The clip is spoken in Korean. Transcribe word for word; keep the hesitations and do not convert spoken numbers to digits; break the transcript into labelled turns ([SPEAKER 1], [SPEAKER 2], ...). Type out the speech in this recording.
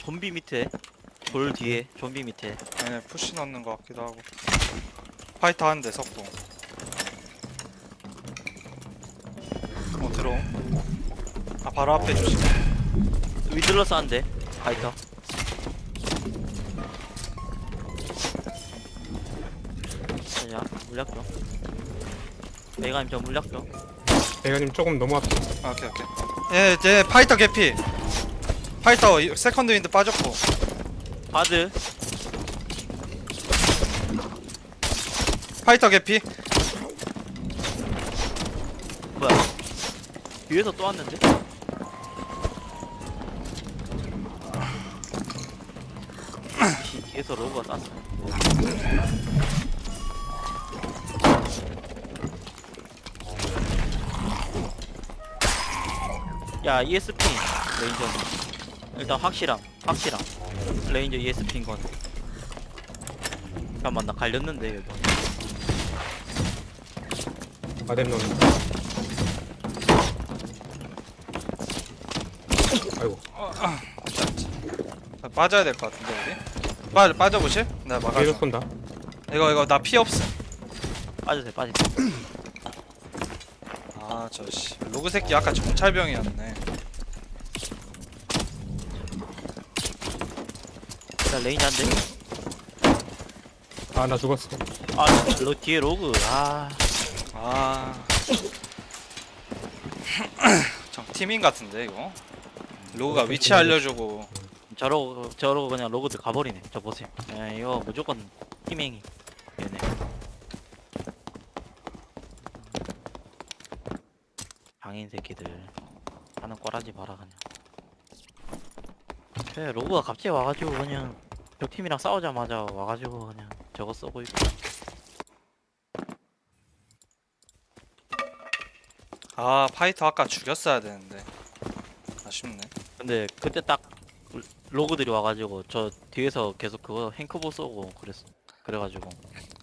[SPEAKER 1] 좀비 밑에 돌 뒤에 좀비 밑에.
[SPEAKER 2] 얘네 푸시 넣는 거 같기도 하고. 파이터 하는데 석동. 어 들어옴. 아 바로 앞에 조심.
[SPEAKER 1] 위들러스 한대 파이터. 자 물약 줘. 메가님 저 물약 줘.
[SPEAKER 3] 대가님 조금 너무 앞에.
[SPEAKER 2] 아, 오케이 오케이. 얘, 얘 파이터 개피. 파이터 이- 세컨드 윈드 빠졌고.
[SPEAKER 1] 바드.
[SPEAKER 2] 파이터 개피.
[SPEAKER 1] 뭐야? 뒤에서 또 왔는데? 씨, 뒤에서 로그가 쐈어. 야 이에스피 레인저 일단 확실함 확실함 레인저 이에스피인 건. 잠깐만 나 갈렸는데 여기.
[SPEAKER 3] 아뎀 넣는. 아이고.
[SPEAKER 2] 아, 빠져야 될 것 같은데 우리. 빠 빠져보실? 나
[SPEAKER 3] 뒤에서
[SPEAKER 2] 막아줘.
[SPEAKER 3] 쏜다.
[SPEAKER 2] 이거 이거 나 피 없음.
[SPEAKER 1] 빠져세 빠져세.
[SPEAKER 2] 아 저씨 로그 새끼 아까 정찰병이었네.
[SPEAKER 1] 일단 레인저 한대.
[SPEAKER 3] 아, 나 죽었어.
[SPEAKER 1] 아 로, 뒤에 로그. 아
[SPEAKER 2] 아. 정 팀인 같은데 이거. 로그가 위치 알려주고.
[SPEAKER 1] 저러고 저러고 그냥 로그들 가버리네. 저 보세요. 야, 이거 무조건 팀행이 얘네. 장인 새끼들 하는 꼬라지 봐라 그냥. 그래 로그가 갑자기 와가지고 그냥 저 팀이랑 싸우자마자 와가지고 그냥 저거 쏘고 있고.
[SPEAKER 2] 아 파이터 아까 죽였어야 되는데. 아쉽네.
[SPEAKER 1] 근데 그때 딱 로그들이 와가지고 저 뒤에서 계속 그거 행크보 쏘고 그랬어. 그래가지고